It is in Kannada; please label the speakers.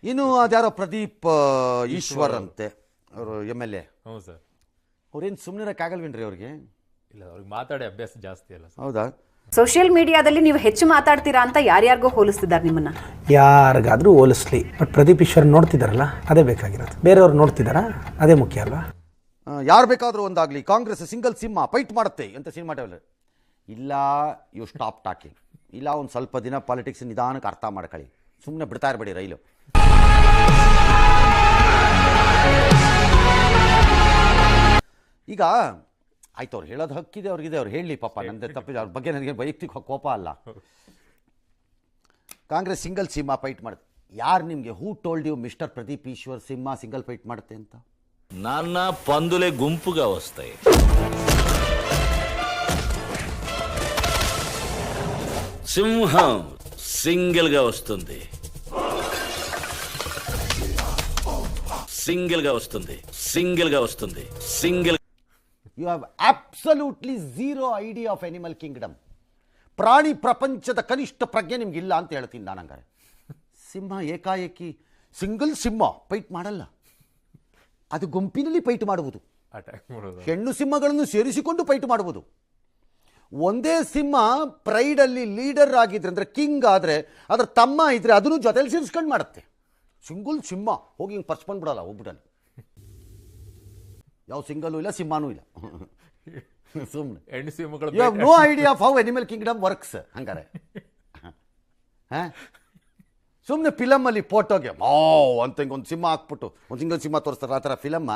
Speaker 1: ಇನ್ನು ಅದ್ಯಾರೋ ಪ್ರದೀಪ್ ಈಶ್ವರ್ ಅಂತೆ ಅವರು MLA.
Speaker 2: ಹೌದು ಸರ್.
Speaker 1: ಅವ್ರೇನು ಸುಮ್ಮನಿರಕ್ಕಾಗಲ್ವೇನ್ರಿ ಅವ್ರಿಗೆ?
Speaker 2: ಇಲ್ಲ, ಅವ್ರಿಗೆ ಮಾತಾಡಿ ಅಭ್ಯಾಸ ಜಾಸ್ತಿ ಅಲ್ಲ ಸರ್.
Speaker 1: ಹೌದಾ?
Speaker 3: ಸೋಷಿಯಲ್ ಮೀಡಿಯಾದಲ್ಲಿ ನೀವು ಹೆಚ್ಚು ಮಾತಾಡ್ತೀರಾ ಅಂತ ಯಾರ್ಯಾರಿಗೋ ಹೋಲಿಸ್ತಿದ್ದಾರೆ ನಿಮ್ಮನ್ನ.
Speaker 4: ಯಾರಿಗಾದ್ರೂ ಹೋಲಿಸ್ಲಿ, ಬಟ್ ಪ್ರದೀಪ್ ಈಶ್ವರ್ ನೋಡ್ತಿದಾರಲ್ಲ ಅದೇ ಬೇಕಾಗಿರೋದು. ಬೇರೆಯವ್ರು ನೋಡ್ತಿದಾರಾ? ಅದೇ ಮುಖ್ಯ ಅಲ್ವಾ?
Speaker 1: ಯಾರು ಬೇಕಾದರೂ ಒಂದಾಗಲಿ, ಕಾಂಗ್ರೆಸ್ ಸಿಂಗಲ್ ಸಿಂಹ ಫೈಟ್ ಮಾಡುತ್ತೆ ಅಂತ ಸಿನಿಮಾ ಟೈವಲ್. ಇಲ್ಲ, ಯು ಸ್ಟಾಪ್ ಟಾಕಿಂಗ್. ಇಲ್ಲ, ಒಂದು ಸ್ವಲ್ಪ ದಿನ ಪಾಲಿಟಿಕ್ಸ್ ನಿಧಾನಕ್ಕೆ ಅರ್ಥ ಮಾಡ್ಕೊಳ್ಳಿ. ಸುಮ್ಮನೆ ಬಿಡ್ತಾ ಇರಬೇಡಿ ರೈಲು. ಈಗ ಆಯ್ತು, ಅವ್ರು ಹೇಳೋದು ಹಕ್ಕಿದೆ, ಅವ್ರಿಗಿದೆ, ಅವ್ರು ಹೇಳಲಿ ಪಾಪ, ನಂದೆ ತಪ್ಪಿದೆ, ಅವ್ರ ಬಗ್ಗೆ ನನಗೆ ವೈಯಕ್ತಿಕ ಕೋಪ ಅಲ್ಲ. ಕಾಂಗ್ರೆಸ್ ಸಿಂಗಲ್ ಸಿಂಹ ಫೈಟ್ ಮಾಡುತ್ತೆ. ಯಾರು ನಿಮಗೆ who told you mister Pradeep Eshwar ಸಿಂಹ ಸಿಂಗಲ್ ಫೈಟ್ ಮಾಡುತ್ತೆ ಅಂತ?
Speaker 5: నాన్న పందులే గుంపుగా వస్తాయి. సింహం సింగిల్ గా వస్తుంది, సింగిల్ గా వస్తుంది, సింగిల్ గా వస్తుంది, single.
Speaker 1: You have absolutely zero idea of animal kingdom. ಪ್ರಾಣಿ ಪ್ರಪಂಚದ ಕನಿಷ್ಠ ಪ್ರಜ್ಞೆ ನಿಮ್ಗಿಲ್ಲ ಅಂತ ಹೇಳ್ತೀನಿ ನಾನು. ಹಂಗಾರೆ ಸಿಂಹ ಏಕಾಏಕಿ ಸಿಂಗಲ್ ಸಿಂಹ ಫೈಟ್ ಮಾಡಲ್ಲ, ಅದು ಗುಂಪಿನಲ್ಲಿ ಫೈಟ್ ಮಾಡುವುದು.
Speaker 2: ಅಟ್ಯಾಕ್ ಮಾಡೋದು.
Speaker 1: ಹೆಣ್ಣು ಸಿಂಹಗಳನ್ನು ಸೇರಿಸಿಕೊಂಡು ಫೈಟ್ ಮಾಡುವುದು. ಒಂದೇ ಸಿಂಹ ಪ್ರೈಡಲ್ಲಿ ಲೀಡರ್ ಆಗಿದ್ರೆ, ಅಂದರೆ ಕಿಂಗ್ ಆದರೆ, ಅದರ ತಮ್ಮ ಇದ್ರೆ ಅದನ್ನು ಜೊತೆಲಿ ಸೇರಿಸ್ಕೊಂಡು ಮಾಡುತ್ತೆ. ಸಿಂಗಲ್ ಸಿಂಹ ಹೋಗಿ ಹಿಂಗೆ ಪರ್ಸ್ಕೊಂಡು ಬಿಡಲ್ಲ ಒಬ್ಬರಲ್ಲಿ. ಯಾವ ಸಿಂಗಲ್ಲೂ ಇಲ್ಲ, ಸಿಂಹನೂ ಇಲ್ಲ. ಸುಮ್ಮನೆ
Speaker 2: ಹೆಣ್ಣು ಸಿಂಹಗಳು
Speaker 1: you have no idea of how animal kingdom works. ಹಂಗಾರೆ ಸುಮ್ಮನೆ ಫಿಲಮಲ್ಲಿ ಫೋಟೋಗೆ ಅಂತ ಹಿಂಗೆ ಒಂದು ಸಿಂಹ ಹಾಕ್ಬಿಟ್ಟು ಒಂದು ಸಿಂಗಲ್ ಸಿಂಹ ತೋರಿಸ್ತಾರೆ, ಆ ಥರ ಫಿಲಮ್ಮ.